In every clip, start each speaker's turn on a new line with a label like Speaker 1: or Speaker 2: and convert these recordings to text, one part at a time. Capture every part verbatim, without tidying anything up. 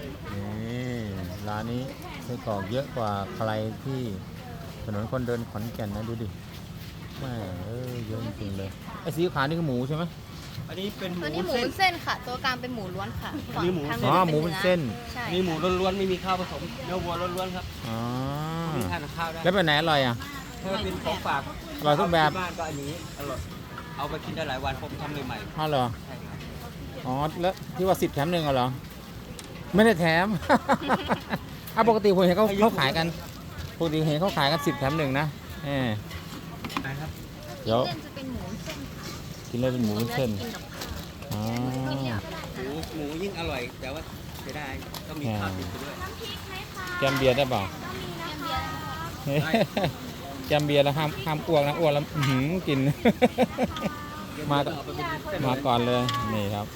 Speaker 1: นี่ร้านนี้ไส้กรอกเยอะกว่าใครที่ถนนคนเดินขอนแก่นนะดูดิแม่เออเยอะจริงๆเลยไอ้สีขาวนี่คือหมูใช่ไหม
Speaker 2: อันนี้เป็นห
Speaker 3: ตัว
Speaker 2: มู
Speaker 3: นี้หมู
Speaker 2: เส้น
Speaker 3: เส้นค่ะ ตัวกลางเป็นหมูล้วนค่ะ
Speaker 2: อันนี้หมู
Speaker 3: ฝั่ง
Speaker 1: อ๋อ
Speaker 3: ทาง
Speaker 1: หมูเป็นเส้น
Speaker 3: ใช่
Speaker 2: นี่หมูล้วนๆไม่มีข้าวผสมเนื้อวัวล้วนๆครับ
Speaker 1: อ๋อ
Speaker 2: มีทานกับข้าวได้
Speaker 1: แล้วเป็นไหนอร่อยอ่ะ
Speaker 2: ถ้าเป็นของฝาก
Speaker 1: อร่อยทุกแบบ
Speaker 2: ที่บ้านก็อันนี้อร่อยเอาไปกินได้หลายวันผมทำใหม่
Speaker 1: อ้าวเหรอ
Speaker 2: ๆใช่ครับ
Speaker 1: อ๋อแล้วที่ว่าสิบแถมหนึ่งเหรอไม่ได้แถม อ่ะปกติผมเห็นเขาเขาขายกันปกติเห็นเขาขายกันสิบแถมหนึ่งนะเออ
Speaker 2: นะครับ
Speaker 1: เดี๋ยว
Speaker 3: เส้นจะเป็นหมูเส้นค่ะ
Speaker 1: กินเลยเป็นหมูเส้น
Speaker 3: กินกับข้าว
Speaker 1: อ๋อ
Speaker 2: หมูหมูยิ่งอร่อย แต่ว่าจะได้ต้องมีข้าวติดไปด้วย
Speaker 1: แกมเบียร์ได้เปล่า แกมเบียร์แล้วห้ามห้ามอ้วกนะอ้วกแล้วอื้อหือกิน มา
Speaker 2: เอาไปเป็นเส้น
Speaker 1: มาก่อนเลยนี่ครับ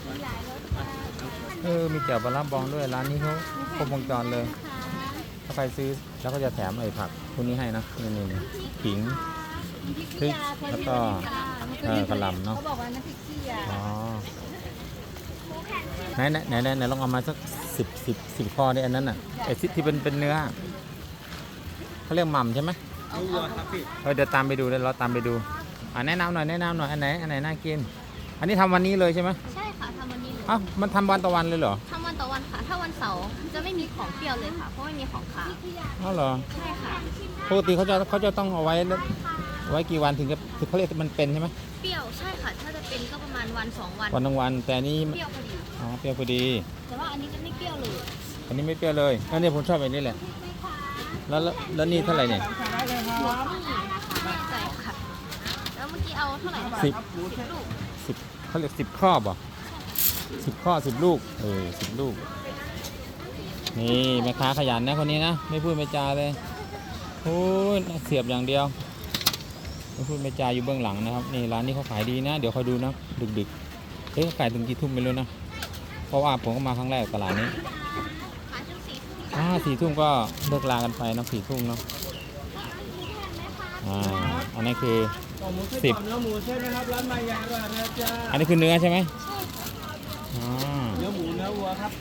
Speaker 1: เออมีแจ่วปลาร้าบองด้วยร้านนี้เขาครบวงจรเลย ถ้าใครซื้อแล้วก็จะแถมไอ้ผักพวกนี้ให้นะนี่นี่นี่ขิงพริกแล้วก็เออกระหล่ำเนาะ
Speaker 3: เขาบอกว่าน้ำพริกขี้ยา
Speaker 1: อ๋อไหนไหนไหนไหนไหนลองเอามาสักสิบสิบสิบข้อดิอันนั้นอ่ะไอ้ที่ที่เป็นเป็นเนื้อเขาเรียกหม่ำใช่ไหม
Speaker 2: เนื้อวัวครับพี่
Speaker 1: เออเดี๋ยวตามไปดูเดี๋ยวเราตามไปดูอ่าแนะนำหน่อยแนะนำหน่อยอันไหนอันไหนน่ากิน อันนี้ทำวันนี้เลยใช่ไหม
Speaker 3: ใช่ค่ะทำวันนี้เลย
Speaker 1: อ้าวมันทำวันต่อวันเลยเหรอ
Speaker 3: ทำวันต่อวันค่ะ ถ้าวันเสาร์จะไม่มีของเปรี้ยวเลยค่ะ เพราะไม่มีของขาว
Speaker 1: อ้าวเหรอ
Speaker 3: ใช่ค่ะ
Speaker 1: ปกติเขาจะเขาจะต้องเอาไว้ไว้กี่วันถึงจะถึงเขาเรียกมันเป็นใช่ไหม
Speaker 3: เปรี้ยวใช่ค่ะ ถ้าจะเป็นก็ประมาณวันสองวัน
Speaker 1: วันทั้งวันแต่อันนี้
Speaker 3: เปรี้ยวพอดี
Speaker 1: อ๋อเปรี้ยวพอดี
Speaker 3: แต่ว่าอันนี้จะไม่เปรี้ยวเลย
Speaker 1: อันนี้ไม่เปรี้ยวเลยอันนี้ผมชอบแบบนี้แหละแล้วแล้วแล้วนี่เท่าไหร่เนี่ย
Speaker 3: หัวนี่แน่ใจค่ะ แล้วเมื่อกี้เอาเท่าไหร่นะคะ
Speaker 1: สิบ
Speaker 3: สิบลูก
Speaker 1: สิบเขาเรียกสิบข้อบ่สิบข้อสิบลูกเออสิบลูกนี่แม่ค้าขยันนะคนนี้นะไม่พูดไม่จาเลยโอ้ยเสียบอย่างเดียวไม่พูดไม่จาอยู่เบื้องหลังนะครับนี่ร้านนี้เขาขายดีนะเดี๋ยวคอยดูนะดึกๆเอ๊ะเขาขายถึงกี่ทุ่มไม่รู้นะเพราะว่าผมก็มาครั้งแรกตลาดนี้
Speaker 3: ขายจนสี่ทุ่ม
Speaker 1: อ่าสี่ทุ่มก็เลิกลากันไปเนอะสี่ทุ่มเนาะอ่าอันนี้คือ
Speaker 2: ต่อหมูเส้น
Speaker 1: สิบ
Speaker 2: ต่อเนื้อหมูเส้นนะครับร้านมายาด้วยนะจ๊ะ
Speaker 1: อันนี้คือเนื้อใช่ไหมอ่า
Speaker 2: เนื้อหมูเนื้อวัวครับ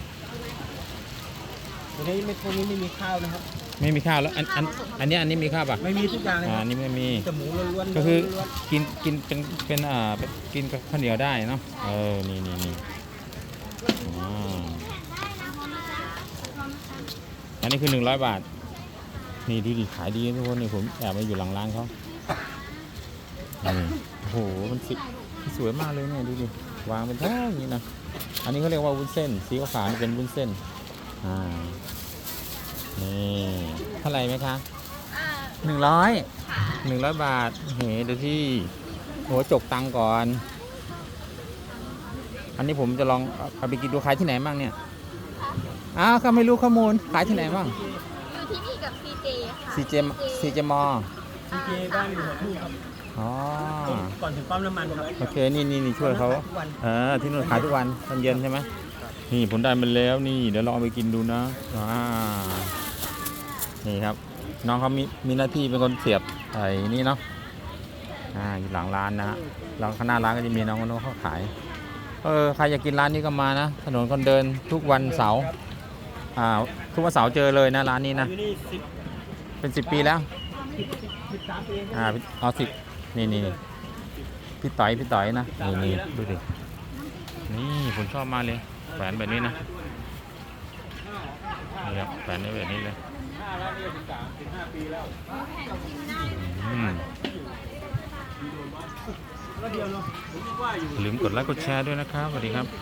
Speaker 2: ตัวนี้ไม่พวกนี้ไม่มีข้าวนะครับ
Speaker 1: ไม่มีข้าวแล้วอันอันอันนี้อันนี้มีข้าวป่ะ
Speaker 2: ไม่มีทุกอย่างเลย
Speaker 1: อ่า
Speaker 2: ครับ
Speaker 1: อันนี้ไม่มี
Speaker 2: แต่หมูล้วนๆ
Speaker 1: ก็คือ
Speaker 2: ล้วน
Speaker 1: กินกินเป็นเป็นอ่าเป็นกินกับข้าวเหนียวได้เนาะเออนี่นี่นี่อ่าอันนี้คือหนึ่งร้อยบาทนี่ดูดิขายดีนะทุกคนนี่ผมแอบมาอยู่หลังร้านเขานี่โอ้โหมันสิสวยมากเลยเนี่ยดูดิวางเป็นแท่งอย่างนี้นะอันนี้เขาเรียกว่าวุ้นเส้นสีขาวๆนี่เป็นวุ้นเส้นอ่านี่เท่าไหร่ไหมคะ
Speaker 3: อ่า
Speaker 1: หนึ่งร้อยหนึ่งร้อยบาทเฮ้เดี๋ยวที่โหจกตังค์ก่อน อันนี้ผมจะลองเอาไปกินดูขายที่ไหนบ้างเนี่ยอ้าวเขาไม่รู้ข้อมูลขายที่ไหนบ้าง
Speaker 3: อยู่ที่นี่กับซีเจค่ะ
Speaker 1: ซีเจซีเจมอ
Speaker 2: ๆซีเจบ้านอยู่หัวทุ่งครับ
Speaker 1: อ๋อ
Speaker 2: ก่อนถึงปั๊มน้ำมันครับ
Speaker 1: โอเคนี่นี่นี่ช่วยเขา
Speaker 2: ทุกวัน
Speaker 1: เออที่นู่นขายทุกวันตอนเย็นใช่ไหมนี่ผมได้มันแล้วนี่เดี๋ยวลองเอาไปกินดูนะอ่านี่ครับ น้องเขามีมีหน้าที่เป็นคนเสียบไอ้นี่เนาะอ่าอยู่หลังร้านนะฮะหลังข้างหน้าร้านก็จะมีน้องคนนู้นเขาขายเออใครอยากกินร้านนี้ก็มานะถนนคนเดินทุกวันเสาร์อ่าทุกวันเสาร์เจอเลยนะร้านนี้นะ
Speaker 2: อยู่นี่สิบ
Speaker 1: เป็นสิบปีแล้ว
Speaker 2: สิบสามปีเอง
Speaker 1: อ่าเอาสิบนี่นี่นี่พี่ต่อยพี่ต่อยนะนี่นี่ดูดินี่ผมชอบมากเลยแขวนแบบนี้นะนี่ครับแขวนได้แบบนี้เลย
Speaker 2: ห้าแล้วนี่สิบสามสิบห้าปีแล้ว
Speaker 1: อืม
Speaker 2: แล้วเดียวเนาะผมว่าอยู่
Speaker 1: อย่าลืมกดไลค์กดแชร์ด้วยนะครับสวัสดีครับ